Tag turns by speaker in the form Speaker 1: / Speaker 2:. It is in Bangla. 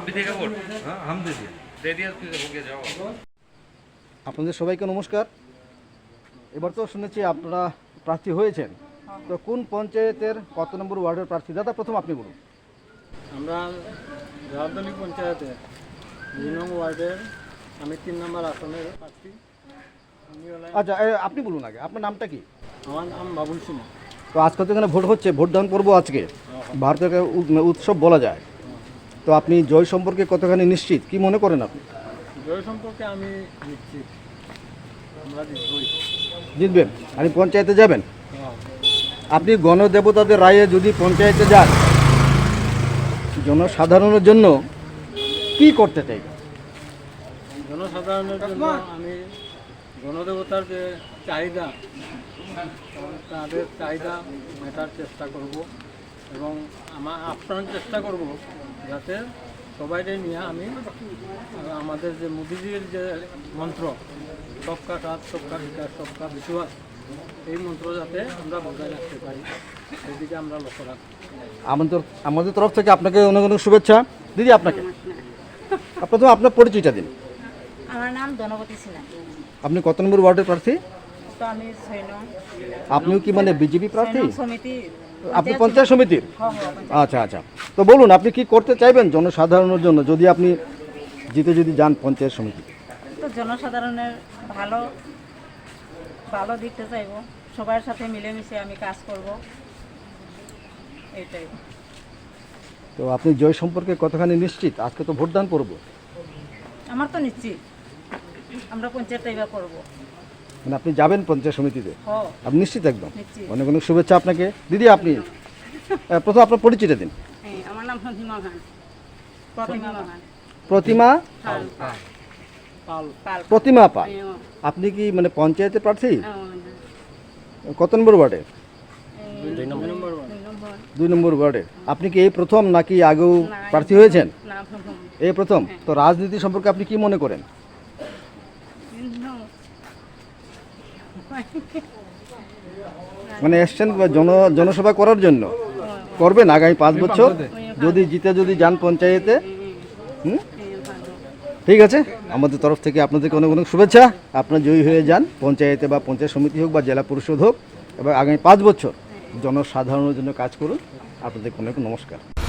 Speaker 1: आप भी देगा वोट? हाँ हम दे दिया फिर हो गया जाओ।
Speaker 2: আপনাদের সবাইকে নমস্কার। এবার তো শুনেছি আপনারা প্রার্থী হয়েছেন, তো কোন পঞ্চায়েতের কত নম্বর ওয়ার্ডের প্রার্থী? দাদা প্রথম আপনি বলুন।
Speaker 3: আমরা রাউতলি পঞ্চায়েতের ২ নং ওয়ার্ডের আমি ৩ নম্বর আসনের প্রার্থী।
Speaker 2: আচ্ছা আপনি বলুন আগে, আপনার নামটা কি?
Speaker 3: আমার নাম বাবুল সিনহা।
Speaker 2: তো আজকে তো এখানে ভোট হচ্ছে, ভোটদান পর্ব আজকে, ভারতের একটা উৎসব বলা যায়। তো আপনি জয় সম্পর্কে কতখানি নিশ্চিত, কি মনে করেন আপনি?
Speaker 3: জয় সম্পর্কে আমি নিশ্চিত আমরা জিতবই।
Speaker 2: জিতবেন? আপনি পঞ্চায়েতে যাবেন? আপনি গণদেবতাদের রায়ে যদি পঞ্চায়েতে যান, জনসাধারণের জন্য কি করতে চাই?
Speaker 3: জনসাধারণের জন্য আমি গণদেবতার যে চাহিদা, তাদের চাহিদা মেটার চেষ্টা করব এবং আপ্রাণ চেষ্টা করব যাতে সবাইকে নিয়ে আমি আমাদের যে মোদিজির যে মন্ত্র সবকা সাথ সবকা বিকাশ সবকা বিশ্বাস, এই মন্ত্র যাতে আমরা বজায় রাখতে পারি সেদিকে আমরা লক্ষ্য রাখব।
Speaker 2: আমাদের তরফ থেকে আপনাকে অনেক অনেক শুভেচ্ছা। দিদি আপনাকে প্রথমে আপনার পরিচয়টা দিন।
Speaker 4: আমার নাম ধনপতি সিনহা।
Speaker 2: আপনি কত নম্বর ওয়ার্ডের প্রার্থী?
Speaker 4: তো আমি ৬ নং।
Speaker 2: আপনিও কি মানে বিজেপি প্রার্থী?
Speaker 4: সমিতি।
Speaker 2: আপনি পঞ্চায়েত সমিতির?
Speaker 4: হ্যাঁ।
Speaker 2: আচ্ছা আচ্ছা, তো বলুন আপনি কি করতে চাইবেন জনসাধারণের জন্য যদি আপনি যদি যান পঞ্চায়েত সমিতি?
Speaker 4: তো জনসাধারণের ভালো ভালো দিকতে চাইবো, সবার সাথে মিলেমিশে আমি কাজ করব, এইটাই।
Speaker 2: তো আপনি জয় সম্পর্কে কতখানি নিশ্চিত? আজকে তো ভোটদান পর্ব।
Speaker 4: আমার তো নিশ্চিত আমরা পঞ্চায়েত এবার করবো।
Speaker 2: মানে আপনি যাবেন পঞ্চায়েত সমিতিতে?
Speaker 4: হ্যাঁ
Speaker 2: আপনি নিশ্চিত? একদম।
Speaker 4: নিশ্চিত।
Speaker 2: অনেক অনেক শুভেচ্ছা আপনাকে। দিদি আপনি প্রথম আপনার পরিচয়টা দিন।
Speaker 4: আমার নাম প্রতিমা খান। প্রতিমা খান।
Speaker 2: প্রতিমা
Speaker 3: পাল।
Speaker 2: প্রতিমা পাল। আপনি কি মানে পঞ্চায়েতের প্রার্থী? কত নম্বর ওয়ার্ডে?
Speaker 3: ২ নম্বর।
Speaker 2: ২ নম্বর ওয়ার্ডে। আপনি কি এই প্রথম নাকি আগেও প্রার্থী হয়েছেন?
Speaker 4: না, প্রথম।
Speaker 2: এই প্রথম? তো রাজনীতি সম্পর্কে আপনি কি মনে করেন? মানে এসছেন জনসভা করার জন্য, করবেন আগামী 5 বছর যদি যদি যান পঞ্চায়েতে? ঠিক আছে, আমাদের তরফ থেকে আপনাদেরকে অনেক অনেক শুভেচ্ছা। আপনারা জয়ী হয়ে যান পঞ্চায়েতে বা পঞ্চায়েত সমিতি হোক বা জেলা পরিষদ হোক, এবং আগামী 5 বছর জনসাধারণের জন্য কাজ করুন। আপনাদেরকে অনেক নমস্কার।